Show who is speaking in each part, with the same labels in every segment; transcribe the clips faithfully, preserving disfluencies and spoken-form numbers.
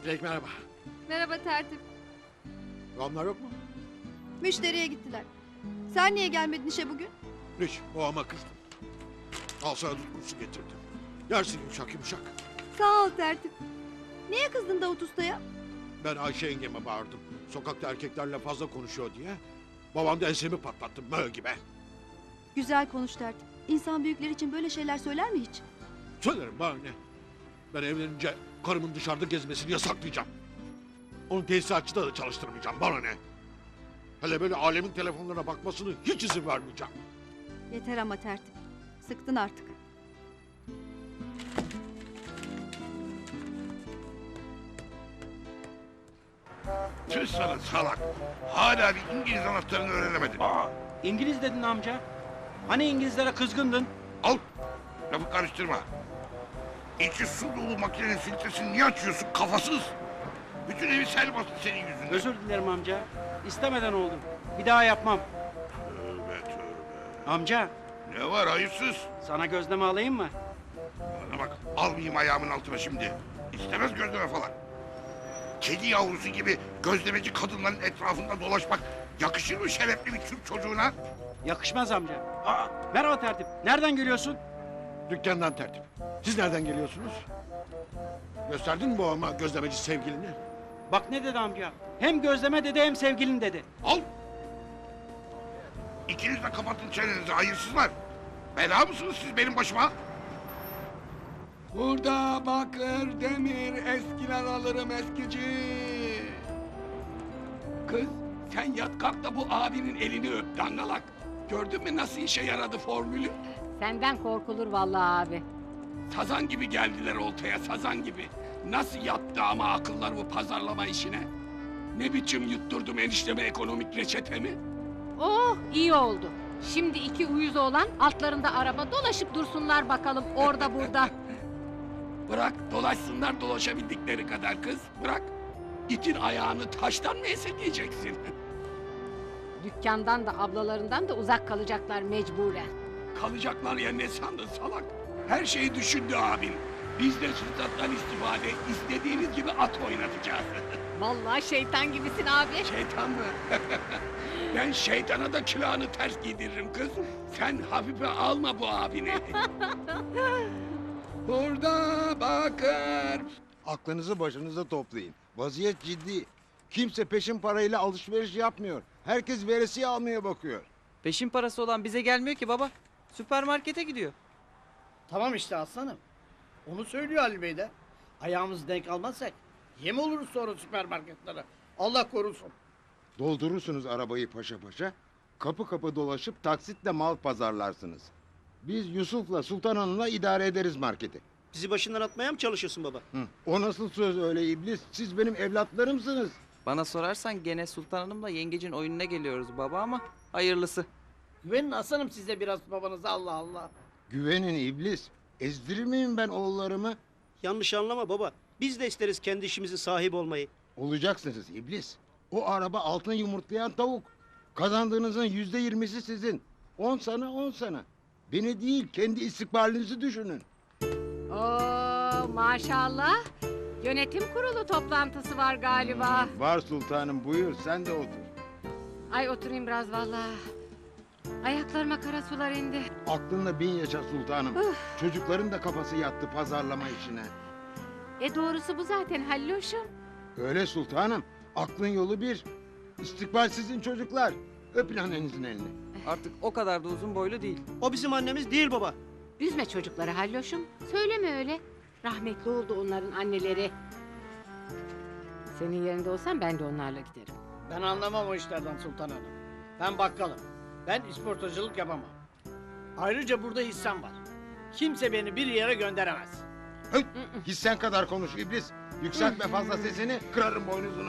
Speaker 1: Dilek merhaba.
Speaker 2: Merhaba tertip.
Speaker 1: Onlar yok mu?
Speaker 2: Müşteriye gittiler. Sen niye gelmedin işe bugün?
Speaker 1: Hiç, boğama kızdım. Al sana dut kurusu getirdim. Yersin yumuşak yumuşak.
Speaker 2: Sağ ol tertip. Niye kızdın Davut Usta'ya?
Speaker 1: Ben Ayşe yengeme bağırdım. Sokakta erkeklerle fazla konuşuyor diye. Babam da ensemi patlattı mö gibi.
Speaker 2: Güzel konuş tertip. İnsan büyükler için böyle şeyler söyler mi hiç?
Speaker 1: Söylerim bana ne? Ben evlenince karımın dışarıda gezmesini yasaklayacağım. Onu tesisatçıda da çalıştırmayacağım. Bana ne? Hele böyle alemin telefonlarına bakmasını hiç izin vermeyeceğim.
Speaker 2: Yeter ama tertip. Sıktın artık.
Speaker 3: Tüh sana salak. Hala bir İngiliz anahtarını öğrenemedin.
Speaker 4: Aa, İngiliz dedin amca. Hani İngilizlere kızgındın?
Speaker 3: Al. Lafı karıştırma. İçi su dolu makinenin filtresini niye açıyorsun kafasız? Bütün evi sel bastı senin yüzünden.
Speaker 4: Özür dilerim amca. İstemeden oldu. Bir daha yapmam.
Speaker 3: Tövbe tövbe.
Speaker 4: Amca,
Speaker 3: Ne var hayırsız?
Speaker 4: sana gözleme alayım mı?
Speaker 3: Bana bak almayayım ayağımın altına şimdi. İstemez gözleme falan. Kedi yavrusu gibi gözlemeci kadınların etrafında dolaşmak yakışır mı şerefli bir Türk çocuğuna?
Speaker 4: Yakışmaz amca. Aa, merhaba tertip. Nereden geliyorsun?
Speaker 1: Dükkandan tertip. Siz nereden geliyorsunuz? Gösterdin mi babama gözlemeci sevgilini?
Speaker 4: Bak ne dedi amca. Hem gözleme dedi hem sevgilin dedi.
Speaker 3: Al. İkiniz de kapatın çenenizi hayırsızlar. Bela mısınız siz benim başıma?
Speaker 5: Burada bakır, demir, eskiler alırım eskici. Kız sen yat kalk da bu abinin elini öp dangalak. Gördün mü nasıl işe yaradı formülü?
Speaker 6: Senden korkulur vallahi abi.
Speaker 5: Sazan gibi geldiler oltaya sazan gibi. Nasıl yattı ama akıllar bu pazarlama işine? Ne biçim yutturdum enişteme ekonomik reçetemi?
Speaker 6: Oh iyi oldu. Şimdi iki uyuz olan altlarında araba dolaşıp dursunlar bakalım orada burada.
Speaker 5: Bırak dolaşsınlar dolaşabildikleri kadar kız bırak. İtin ayağını taştan mı esirgeyeceksin?
Speaker 6: Dükkandan da ablalarından da uzak kalacaklar mecburen.
Speaker 5: Kalacaklar ya ne sandın salak? Her şeyi düşündü abin. Biz de fırsattan istifade istediğiniz gibi at oynatacağız.
Speaker 6: Vallahi şeytan gibisin abi.
Speaker 5: Şeytan mı? Ben şeytana da külahını ters giydiririm kız. Sen hafife alma bu abini. Burada bakır.
Speaker 7: Aklınızı başınıza toplayın. Vaziyet ciddi. Kimse peşin parayla alışveriş yapmıyor. Herkes veresiye almaya bakıyor.
Speaker 8: Peşin parası olan bize gelmiyor ki baba. Süpermarkete gidiyor.
Speaker 9: Tamam işte aslanım. Onu söylüyor Ali Bey de. Ayağımız denk almazsak yem oluruz sonra süpermarketlere. Allah korusun.
Speaker 7: Doldurursunuz arabayı paşa paşa. Kapı kapı dolaşıp taksitle mal pazarlarsınız. Biz Yusuf'la Sultan Hanım'la idare ederiz marketi.
Speaker 10: Bizi başından atmaya mı çalışıyorsun baba?
Speaker 7: Hı. O nasıl söz öyle iblis? Siz benim evlatlarımsınız.
Speaker 8: Bana sorarsan gene Sultan Hanım'la yengecin oyununa geliyoruz baba ama hayırlısı.
Speaker 9: Güvenin aslanım size biraz babanıza Allah Allah.
Speaker 7: Güvenin iblis. Ezdirir miyim ben oğullarımı?
Speaker 10: Yanlış anlama baba. Biz de isteriz kendi işimizin sahibi olmayı.
Speaker 7: Olacaksınız iblis. O araba altın yumurtlayan tavuk. Kazandığınızın yüzde yirmisi sizin. On sana on sana. Beni değil kendi istikbalinizi düşünün.
Speaker 6: Oo maşallah. Yönetim kurulu toplantısı var galiba.
Speaker 7: Var sultanım buyur sen de otur.
Speaker 6: Ay oturayım biraz vallahi. Ayaklarıma kara sular indi.
Speaker 7: Aklınla bin yaşa sultanım. Çocukların da kafası yattı pazarlama işine.
Speaker 6: E doğrusu bu zaten Halloşum.
Speaker 7: Öyle sultanım. Aklın yolu bir. İstikbal sizin çocuklar. Öpün annenizin elini.
Speaker 8: Artık o kadar da uzun boylu değil.
Speaker 10: O bizim annemiz değil baba.
Speaker 6: Üzme çocukları Halloşum. Söyleme öyle. Rahmetli oldu onların anneleri. Senin yerinde olsam ben de onlarla giderim.
Speaker 9: Ben anlamam o işlerden Sultan Hanım. Ben bakkalım. Ben isportacılık yapamam. Ayrıca burada hissem var. Kimse beni bir yere gönderemez.
Speaker 7: Hıt! Hissen kadar konuş iblis. Yükseltme fazla sesini kırarım boynuzunu.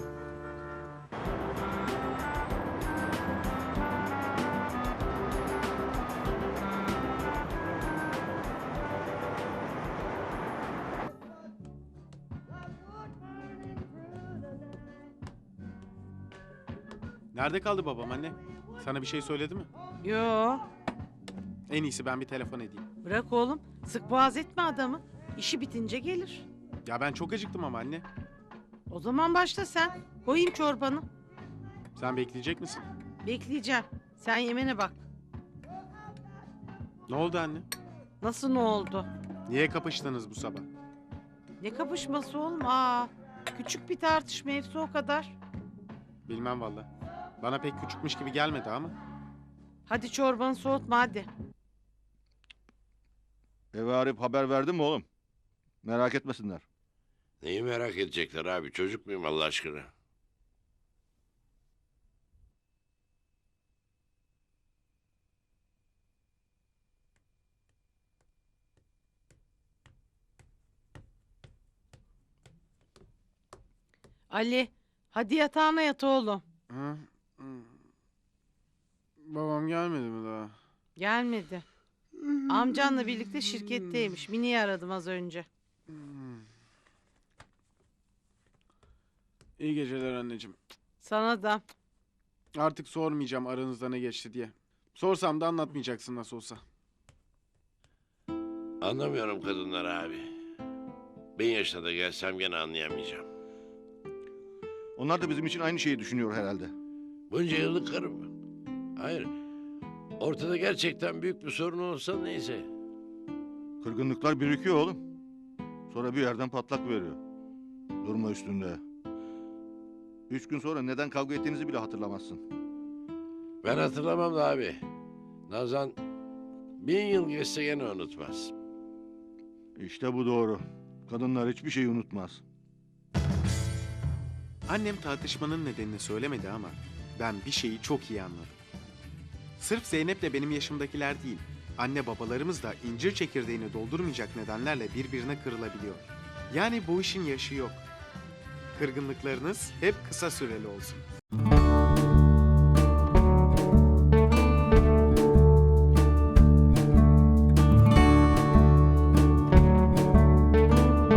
Speaker 11: Nerede kaldı babam anne? Sana bir şey söyledi mi?
Speaker 12: Yo,
Speaker 11: En iyisi ben bir telefon edeyim.
Speaker 12: bırak oğlum. Sık boğaz etme adamı. İşi bitince gelir.
Speaker 11: Ya ben çok acıktım ama anne.
Speaker 12: O zaman başla sen. Koyayım çorbanı.
Speaker 11: Sen bekleyecek misin?
Speaker 12: Bekleyeceğim. Sen yemene bak.
Speaker 11: Ne oldu anne?
Speaker 12: Nasıl ne oldu?
Speaker 11: Niye kapıştınız bu sabah?
Speaker 12: Ne kapışması oğlum? Aa, küçük bir tartışma, hepsi o kadar.
Speaker 11: Bilmem valla. Bana pek küçükmüş gibi gelmedi ama.
Speaker 12: Hadi çorbanı soğutma hadi.
Speaker 13: Eve arayıp haber verdin mi oğlum? Merak etmesinler.
Speaker 14: Neyi merak edecekler abi? Çocuk muyum Allah aşkına?
Speaker 12: Ali, hadi yatağına yat oğlum.
Speaker 11: Hı? Hı. Babam gelmedi mi daha?
Speaker 12: Gelmedi. Amcanla birlikte şirketteymiş. Mini'yi aradım az önce.
Speaker 11: İyi geceler anneciğim.
Speaker 12: Sana da.
Speaker 11: Artık sormayacağım aranızda ne geçti diye. Sorsam da anlatmayacaksın nasıl olsa.
Speaker 14: Anlamıyorum kadınları abi. Ben yaşına da gelsem gene anlayamayacağım.
Speaker 13: Onlar da bizim için aynı şeyi düşünüyor herhalde.
Speaker 14: Bunca yıllık karım mı? Hayır. Ortada gerçekten büyük bir sorun olsa neyse.
Speaker 13: Kırgınlıklar birikiyor oğlum. Sonra bir yerden patlak veriyor. Durma üstünde. Üç gün sonra neden kavga ettiğinizi bile hatırlamazsın.
Speaker 14: Ben hatırlamam da abi. Nazan bin yıl geçse gene unutmaz.
Speaker 13: İşte bu doğru. Kadınlar hiçbir şeyi unutmaz.
Speaker 11: Annem tartışmanın nedenini söylemedi ama ben bir şeyi çok iyi anladım. Sırf Zeynep'le benim yaşımdakiler değil, anne babalarımız da incir çekirdeğini doldurmayacak nedenlerle birbirine kırılabiliyor. Yani bu işin yaşı yok. Kırgınlıklarınız hep kısa süreli olsun.